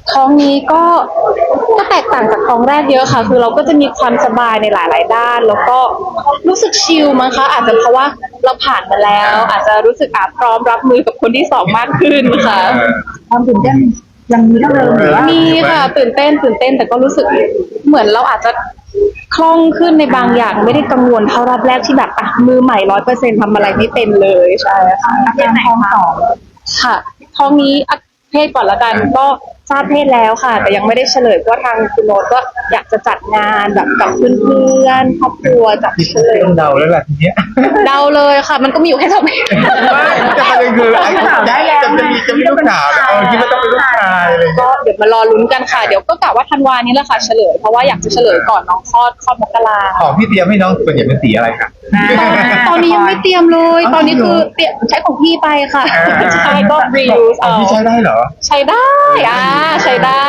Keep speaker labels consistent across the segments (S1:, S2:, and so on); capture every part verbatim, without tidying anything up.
S1: ท้องนี้ก็ก็แตกต่างจากท้องแรกเยอะค่ะคือเราก็จะมีความสบายในหลายๆด้านแล้วก็รู้สึกชิลมั้งคะอาจจะเพราะว่าเราผ่านมาแล้ว อาจจะรู้สึกอาพร้อมรับมือกับคนที่สองมากขึ้นค่ะ
S2: ความตื่นเต้นยังมีเท่าเดิมหรือว่า
S1: มีค่ะตื่นเต้นตื่นเต้นแต่ก็รู้สึกเหมือนเราอาจจะคล่องขึ้นในบางอย่างไม่ได้กังวลเท่ารอบแรกที่แบบอ่ะมือใหม่ร้อยเปอร์เซ็นต์ทำอะไรไม่เป็นเลยใช่ค่ะ
S2: อาการท้องสอง
S1: ค่ะท้องนี้เพศก่อนละกันก็ทราบเพศแล้วค่ะแต่ยังไม่ได้เฉลยเพราะทางคุณโน้ตก็อยากจะจัดงานแบบกับเพื่อนๆครอบครัวจัดเฉลย
S3: ต้องเดาแล้วแหละทีเนี้ย
S1: เดาเลยค่ะมันก็มีอยู่แค่สองเพศ
S3: ไม่จะประเด็นคือไอ้สาวได้แล้วจะมีจะมีลูกสาวเออคิดว่าต้องเป็นลูกชายเลย
S1: ก็เดี๋ยวมารอลุ้นกันค่ะเดี๋ยวก็กะว่าธันวานี้แหละค่ะเฉลยเพราะว่าอยากจะเฉลยก่อนน้องคลอดคลอดมกรา
S3: ของพี่เตรียมให้น้องส่วนใหญ่เป็นสีอะไรคะ
S1: ตอนนี้ยังไม่เตรียมเลยตอนนี้คือเตรียมใช้ของพี่ไปค่ะใช่ก็ reuse เอา
S3: พี่ใช้ได้เหรอ
S1: ใช้ได้อ่าใช้ได้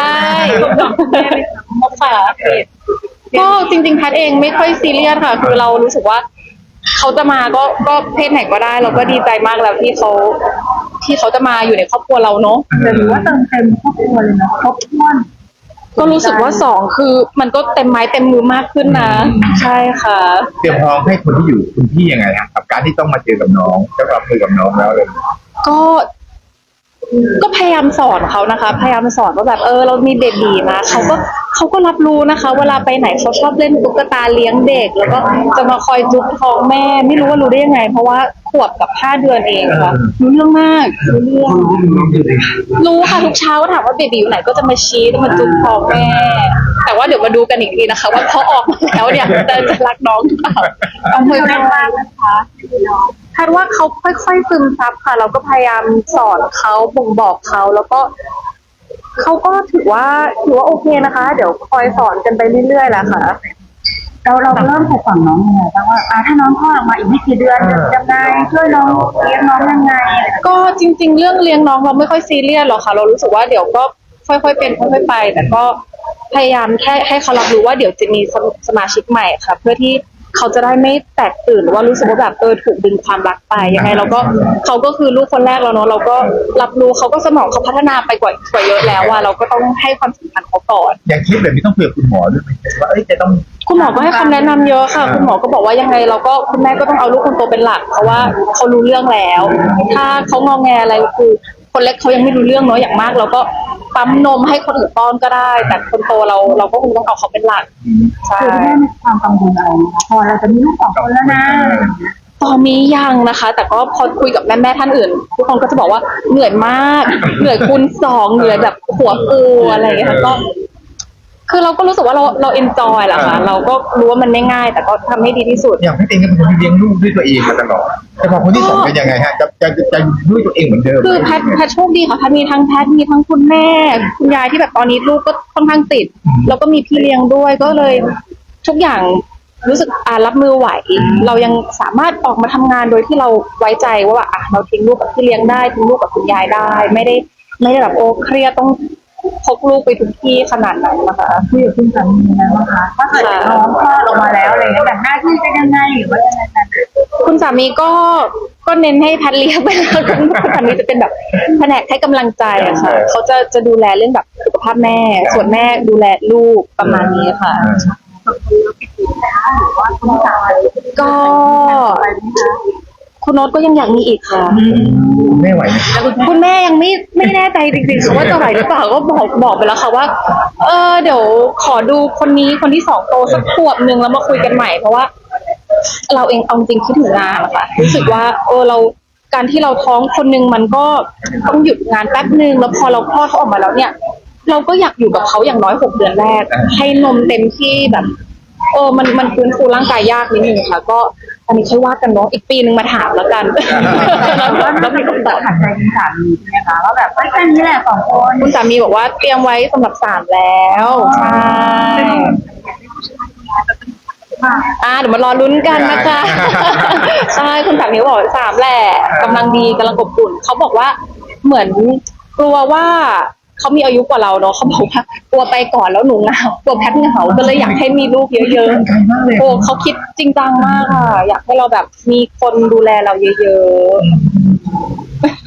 S1: ค่ะก็จริงๆแพทย์เองไม่ค่อยซีเรียสค่ะคือเรารู้สึกว่าเขาจะมาก็ก็เพศไหนก็ได้เราก็ดีใจมากแล้วที่เขาที่เขาจะมาอยู่ในครอบครัวเราเนาะ
S2: แต่ถือว่าเติมเต็มครอบครัวเลยเนาะครบถ้วน
S1: ก็รู้สึกว่าสองคือมันก็เต็มไม้เต็มมือมากขึ้นนะใช่ค่ะ
S3: เตรียมพร้อมให้คนที่อยู่คุณพี่ยังไงฮะกับการที่ต้องมาเจอกับน้องจะรับมือกับน้องแล้วเลย
S1: ก็ก็พยายามสอนเขานะคะพยายามสอนว่าแบบเออเรามีเบบีนะเขาก็เขาก็รับรู้นะคะเวลาไปไหนเขาชอบเล่นตุ๊กตาเลี้ยงเด็กแล้วก็จะมาคอยจุ๊บท้องแม่ไม่รู้ว่ารู้ได้ยังไงเพราะว่าขวบกับห้าเดือนเองค่ะรู้เรื่องมากรู้เรื่องรู้ค่ะทุกเช้าก็ถามว่าเบบีอยู่ไหนก็จะมาชี้จะมาจุ๊บท้องแม่แต่ว่าเดี๋ยวมาดูกันอีกทีนะคะว่าพอออกมาแล้วเนี่ยจะจะรักน้องหรือเปล่าเอามือแม่มากนะคะคาดว่าเขาค่อยๆซึมซับค่ะเราก็พยายามสอนเขาบ่งบอกเขาแล้วก็เขาก็ถือว่าถือว่าโอเคนะคะเดี๋ยวคอยสอนกันไปเรื่อยๆแหละค่ะ
S2: เราเราเริ่มปลูกฝังน้องยังไงบ้างว่าอ่าถ้าน้องคลอดออกมาอีกไม่กี่เดือนยังไงช่วยน้องเลี้ยงน้องยังไง
S1: ก็จริงๆเรื่องเลี้ยงน้องเราไม่ค่อยซีเรียสหรอกค่ะเรารู้สึกว่าเดี๋ยวก็ค่อยๆเป็นค่อยๆไปแต่ก็พยายามแค่ให้เขารับรู้ว่าเดี๋ยวจะมีสมาชิกใหม่ค่ะเพื่อที่เขาจะได้ไม่แตกตื่นหรือว่ารู้สึกว่าแบบเออถูกดึงความรักไปยังไงเราก็เขาก็คือลูกคนแรกแล้วเนาะเราก็รับรู้เขาก็สมองเขาพัฒนาไปกว่ากว่าเยอะแล้วว่าเราก็ต้องให้ความสำคัญเขาก่อน
S3: อย่างคิดแบบนี้ต้องคุยกับคุณหมอด้วยไหมว่าเอ้ยจะต้อง
S1: คุณหมอก็ให้คำแนะนำเยอะค่ะคุณหมอก็บอกว่ายังไงเราก็คุณแม่ก็ต้องเอาลูกคนโตเป็นหลักเพราะว่าเขารู้เรื่องแล้วถ้าเขางอแงอะไรคือคนเล็กเขายังไม่รู้เรื่องเนาะอย่างมากเราก็ปั๊มนมให้คนอื่นป้อนก็ได้แต่คนโตเราเราก็คงต้องเอาเขาเป็นหลัก
S2: ใช่คุณแม่มีความกังวลอะไรนะคะพอเราจะมีลูกสองคนแล้วนะ
S1: ตอนนี้ยังนะคะแต่ก็พอคุยกับแม่แม่ท่านอื่นทุกคนก็จะบอกว่าเหนื่อยมากเหนื่อยคูณสองเหนื่อยแบบหัวปูอะไรอย่างเงี้ยก็คือเราก็รู้สึกว่าเราเราเอนจอยแหละค่ะเราก็รู้ว่ามันไม่ง่ายแต่ก็ทำให้ดีที่สุด
S3: อย่างพี่เองก็เป็นคนเลี้ยงลูกด้วยตัวเองมาตลอดแต่พอคนที่สองเป็นยังไงฮะจะจะจะด้วยตัวเองเหมือนเดิม
S1: คือแพทแพทโชคดีค่ะแพทมีทั้งแพทมีทั้งคุณแม่คุณยายที่แบบตอนนี้ลูกก็ค่อนข้างติดแล้วก็มีพี่เลี้ยงด้วยก็เลยทุกอย่างรู้สึกอ่ารับมือไหวเรายังสามารถออกมาทำงานโดยที่เราไว้ใจว่าอ่ะเราทิ้งลูกกับพี่เลี้ยงได้ทิ้งลูกกับคุณยายได้ไม่ได้ไม่ได้แบบโอ้เครียดต้องพกลูกไปทุกที่ขนาดนั้นนะคะ
S2: คุยกับคุณสามีนะคะถ้าเกิดน้องคลอดออกมาแล้วอะไรเงี้ยแบบหน้าที่จะยังไงหรือว่ายังไงกัน
S1: คุณสามีก็ก็เน้นให้แพทเลี้ยงไปแล้วคุณสามีจะเป็นแบบแผนกให้กำลังใจอะค่ะเขาจะจะดูแลเรื่องแบบสุขภาพแม่ส่วนแม่ดูแลลูกประมาณนี้ค่ะก็คุณโน้ตก็ยังอยากมีอีกค่ะ
S3: ไม่ไหว
S1: คุณแม่ยังไม่ไม่แน่ใจจริงๆค่ะว่าจะไหวหรือเปล่าก็บอกบอกไปแล้วค่ะว่าเออเดี๋ยวขอดูคนนี้คนที่สองโตสักขวบนึงแล้วมาคุยกันใหม่เพราะว่าเราเองเอาจริงคิดถึงงานนะคะรู้สึกว่าเออเราการที่เราท้องคนนึงมันก็ต้องหยุดงานแป๊บนึงแล้วพอเราคลอดเขาออกมาแล้วเนี่ยเราก็อยากอยู่กับเขาอย่างน้อยหกเดือนแรกให้นมเต็มที่แบบเออมันมันฟื้นฟูร่างกายยากนิดนึงค่ะก็อันนี้ค่อยว่ากันเนาะอีกปีนึงมาถามแล้วกัน
S2: แล้วมีคำตอบขัดใจคุณสามีใช่ไหมคะว่าแบบแค่นี้แหละสองคน
S1: คุณสามีบอกว่าเตรียมไว้สำหรับสามแล้วใช่อ่าเดี๋ยวมารอลุ้นกันนะคะใช่คุณสามีบอกสามแหละกำลังดีกำลังอบอุ่นเขาบอกว่าเหมือนกลัวว่าเขามีอายุกว่าเราเนาะเขาบอกว่ากลัวไปก่อนแล้วหนูเหงากลัวแพทย์เหงาก็เลยอยากให้มีลูกเยอะๆโอ้เขาคิดจริงจังมากค่ะอยากให้เราแบบมีคนดูแลเราเยอะๆ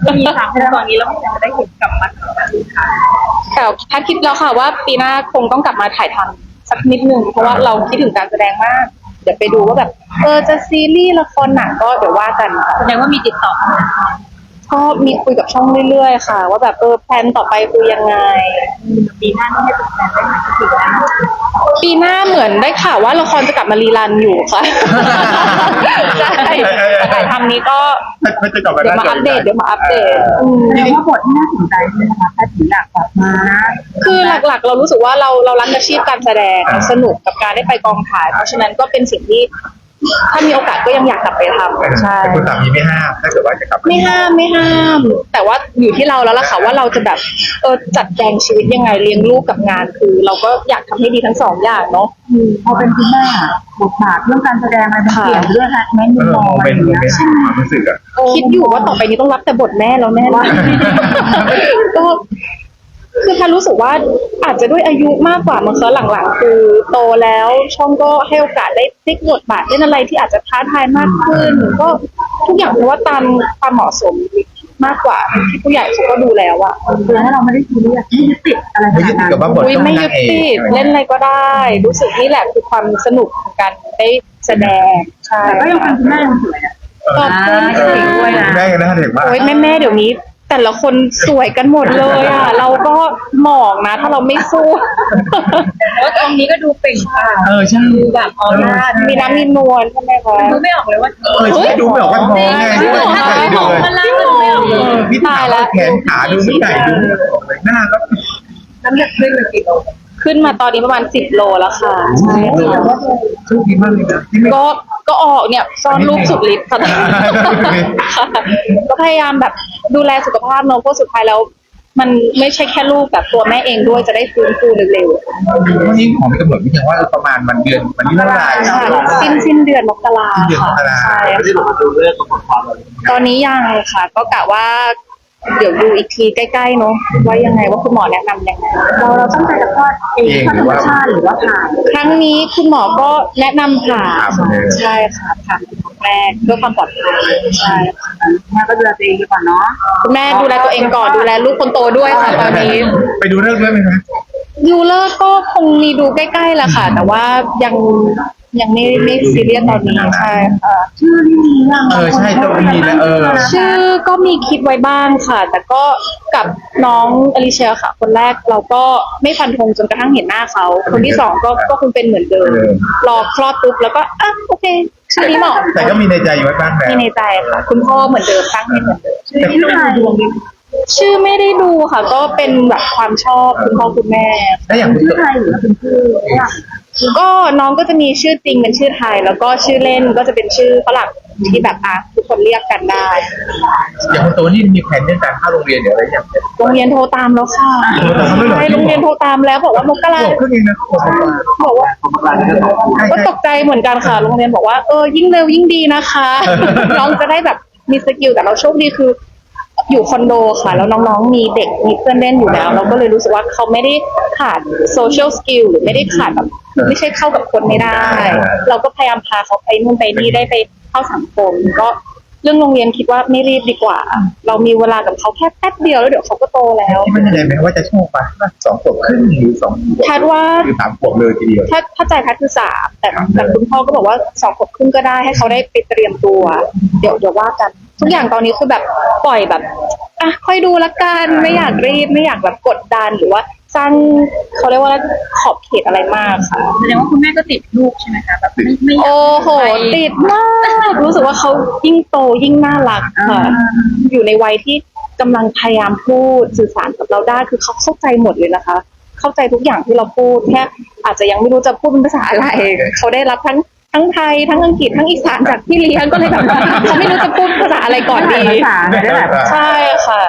S2: มีค่ะตอนนี้เราจะได้เห็นกลับมา
S1: แต่แพทย์คิดแล้วค่ะว่าปีหน้าคงต้องกลับมาถ่ายทำสักนิดนึงเพราะว่าเราคิดถึงการแสดงมาก เดี๋ยวไปดูว่าแบบเออจะซีรีส์ละครหนังก็เดี๋ยวว่ากันค่ะ
S2: แสดงว่ามีติดต่อ
S1: ก็มีคุยกับช่องเรื่อยๆค่ะ ว่าแบบเออแพลนต่อไปคือยังไง
S2: ปีหน้านี่ให้เป็นแฟนได้ไหมถึงแล้ว
S1: ปีหน้าเหมือนได้ข่าวว่าละครจะกลับมารีรันอยู่ค่ะ ใช่แต่ถ่ายทำนี้ก็
S3: เขาจะกลับมา
S1: เดี๋ยวมาอัปเดตเดี๋ยวมาอัปเดตอืม
S2: แสดงว่าบทที่น่าสนใจใช่ไหมคะแพทย์ถึงอยากกลับมา
S1: คือหลักๆ เรารู้สึกว่าเราเรารักอาชีพการแสดงเราสนุกกับการได้ไปกองถ่าย เพราะฉะนั้นก็เป็นสิ่งที่ถ้ามีโอกาสก็ยังอยากกลับไปทำใช่
S3: แต่คุณสามีไม่ห้ามถ้าเกิดว่าจะกลับ
S1: ไม่ห้ามไม่ห้าม แต่ว่าอยู่ที่เราแล้วล่ะค่ะว่าเราจะแบบเออจัดแจงชีวิตยังไงเลี้ยงลูกกับงานคือ เราก็อยากทำให้ดีทั้งสองอย่างเนาะ
S2: พอเป็นคุณแม่บทบาทเรื่องการแสดงอะไรมันเปลี่ยนเรื่องแม้มุ
S3: เอ
S2: ม
S3: อ
S2: มอง
S3: โม
S2: อะไร
S3: เม
S2: อน ย่าง
S3: ต์
S2: เงี้ย
S3: ความรู้สึกอะ
S1: คิดอยู่ว่าต่อไปนี้ต้องรับแต่บทแม่แล้วแน่เลยก็คือแค่รู้สึกว่าอาจจะด้วยอายุมากกว่ามันเคหลังๆ คือโตแล้วช่องก็ให้โอกาสได้พลิกบทบาทเล่นอะไรที่อาจจะท้าทายมากขึ้น ก็ทุกอย่างเพราะว่าตามความเหมาะสมมากกว่าที่ผู้ใหญ่เขาก็ดูแล้วอะ
S2: คือให้เราไม่ได้ซีเรียสไม่ยึดติดอะไรข
S3: ไม่ยึ
S2: นา
S3: ด
S2: ด นั้น
S3: ติดกับว่าบท
S1: อุ้ย
S3: ต้อง
S1: ไม่
S3: นา
S1: ยึ
S3: ง
S1: ด
S3: เอ
S1: ติด
S3: ก
S1: เล่นอะไรก็ได้ รู้สึกนี่แหละคือความสนุกของการได้แสดงใช่
S2: แต่ก็ยังเป็นคุณแม่ยังสวยนะ
S1: ขอบคุณ
S2: อ่า
S1: ค่ะ
S2: เก่งด้วยนะ
S3: แม่กันนะเด็กมาก
S1: โอ้ยแม่แม่ๆเดี๋ยวนี้ แต่ละคนสวยกันหมดเลยอ่ะ เราก็หมองนะ ถ้าเราไม่สู้
S2: ว่าตรงนี้ก็ดูเปล่งปลั่ง
S3: เออใช่
S2: ดูแบบออร่า
S1: มีน้ำมีนวลใช่ไหมคะ
S2: ดูไม่ออกเลยว่า
S3: เออใช่ดูไม่ออกว่าท้องไง
S1: จริงเหรอ
S3: ไม่ใส่ดูเลย
S2: มันล่างก็ดูไม่ออก
S3: เออพี่ถามว่าแขนขาดูไม่ใหญ่ดูไม่ออกเลยหน้าก็
S2: น้ำหนักขึ้นเลยกี่โล
S1: ขึ้นมาตอนนี้ประมาณสิบโลแล้วค่ะใช่ค่ะ
S3: โชคดีมากเลยนะที่ไม่
S1: ก็ก็ออกเนี่ยซ่อนรูปสุดฤทธิ์ค่ะ ค่ะก็พยายามแบบดูแลสุขภาพเนอะเพราะสุดท้ายแล้ว มันไม่ใช่แค่ลูกแบบตัวแม่เองด้วยจะได้ฟื้นฟูเร็ว
S3: วันนี้ของมีกำหนดวิธีว่าประมาณวันเดือนวันที่เท่าไหร่
S1: ๆค่ะสิ้นสิ้นเดือนมกรา
S3: สิ้นเดือนม
S1: ค่ะ
S3: กรา
S1: ใช่
S3: ไม่ได้ลงมาดูเรื่องกำหนดความเลย
S1: ตอนนี้ยังค่ะ ก็กะว่า เดี๋ยวดูอีกทีใกล้ๆเนาะว่ายังไงว่าคุณหมอแนะนำยังไง
S2: เราเราตั้งใจจะคลอดเองคลอดธรรมชาติหรือว่าผ่า
S1: ครั้งนี้คุณหมอก็แนะนำผ่าค่ะใช่ค่ะผ่าเป็นครั้งแรกเพื่อความปลอดภัยใช่ค่ะ
S2: แม่ก็ดูแลตัวเองดีกว่าเนาะ
S1: คุณแม่ดูแลตัวเองก่อนดูแลลูกคนโตด้วยค่ะตอนนี้
S3: ไปดูเรื่องด้วยไหมคะ
S1: ยูเลอร์ก็คงมีดูใกล้ๆแหละค่ะ แต่ว่ายังยังไม่ไม่ซีเรียสตอนนี้ใช่ค่ะ
S2: ชื่อนี่มียัง
S3: เออใช่ต้องมีแล้วเออ
S1: ชื่อก็มีคิดไว้บ้างค่ะ แต่ก็กับน้องอลิเชียค่ะ คนแรกเราก็ไม่ฟันธงจนกระทั่งเห็นหน้าเขา คนที่สองก็ก็คงเป็นเหมือนเดิม รอคลอดปุ๊บแล้วก็อ่ะโอเคชื่อนี้เหมาะ
S3: แต่ก็มีในใจอยู่ไว้บ้างแล้ว
S1: มีในใจค่ะ คุณพ่อเหมือนเดิมตั้งให้เหมือนเดิม
S3: แต่
S2: ชื่ออะไรดวงดี
S1: ชื่อไม่ได้ดูค่ะ ก็เป็นแบบความชอบคุณพ่อคุณแม่
S3: ถ้าอย่างคุณ
S2: ชื่อไทยหรือว่าเป็นชื่อว่า
S1: ก็น้องก็จะมีชื่อจริงเป็นชื่อไทย แล้วก็ชื่อเล่นก็จะเป็นชื่อฝรั่งที่แบบอ่ะทุกคนเรียกกันได้
S3: อย่างคนโตนี่มีแผนเรื่องการเข้าโรงเรียนหรืออะไรอย่างเงี้ย
S1: โรงเรียนโทรตามแล้วค่ะ
S3: โทรตามแล้วเหรอ
S1: ใช่โรงเรียนโทรตามแล้วบอกว่ามกรา
S3: บอกครึ่งเองนะบอกมา
S1: บอกว่า
S3: บอกมาแล้วก็ใช่
S1: ก็
S3: ใช่
S1: ตกใจเหมือนกันค่ะ โรงเรียนบอกว่าเออยิ่งเร็วยิ่งดีนะคะ น้องจะได้แบบมีสกิลแต่เราโชคดีคือ อยู่คอนโดค่ะ แล้วน้องๆมีเด็กมีเพื่อนเล่นอยู่แล้ว เราก็เลยรู้สึกว่าเขาไม่ได้ขาดโซเชียลสกิลหรือไม่ได้ขาดแบบไม่ใช่เข้ากับคนไม่ได้ เราก็พยายามพาเขาไปนู่นไปนี่ได้ไปเข้าสังคม ก็เรื่องโรงเรียนคิดว่าไม่รีบดีกว่า เรามีเวลากับเขาแค่แป๊บเดียวแล้วเดี๋ยวเขาก็โตแล้ว
S3: ที่มันยังไงไหมว่าจะโชคปะสองขวบครึ่งหรือสองขวบ
S1: คาดว่า
S3: คือสามขวบเลยทีเดียว
S1: ถ้าถ้าใจแพทย์คือสามแต่แต่คุณพ่อก็บอกว่าสองขวบครึ่งก็ได้ให้เขาได้ไปเตรียมตัว เดี๋ยวเดี๋ยวว่ากัน ทุกอย่างตอนนี้คือแบบปล่อยแบบอ่ะค่อยดูละกันไม่อยากรีบไม่อยากแบบกดดันหรือว่าสร้างเขาเรียกว่าขอบเขตอะไรมากค่ะ
S2: แสดงว่าคุณแม่ก็ติดลูกใช่ไหมคะแบบไม่ไม่อยาก
S1: โอ้โหติดมากรู้สึกว่าเขายิ่งโตยิ่งน่ารักค่ะ อยู่ในวัยที่กำลังพยายามพูดสื่อสารกับเราได้คือเขาเข้าใจหมดเลยนะคะ เข้าใจทุกอย่างที่เราพูดแค่อาจจะยังไม่รู้จะพูดเป็นภาษาอะไร เขาได้รับทั้งทั้งไทยทั้งอังกฤษทั้งอีสานจากพี่เลี้ยงก็เลยแบบเขาไม่รู้จะพูดภาษาอะไรก่อนดี
S2: ภาษาเนี่ยได้แบบ
S1: ใช่ค่ะ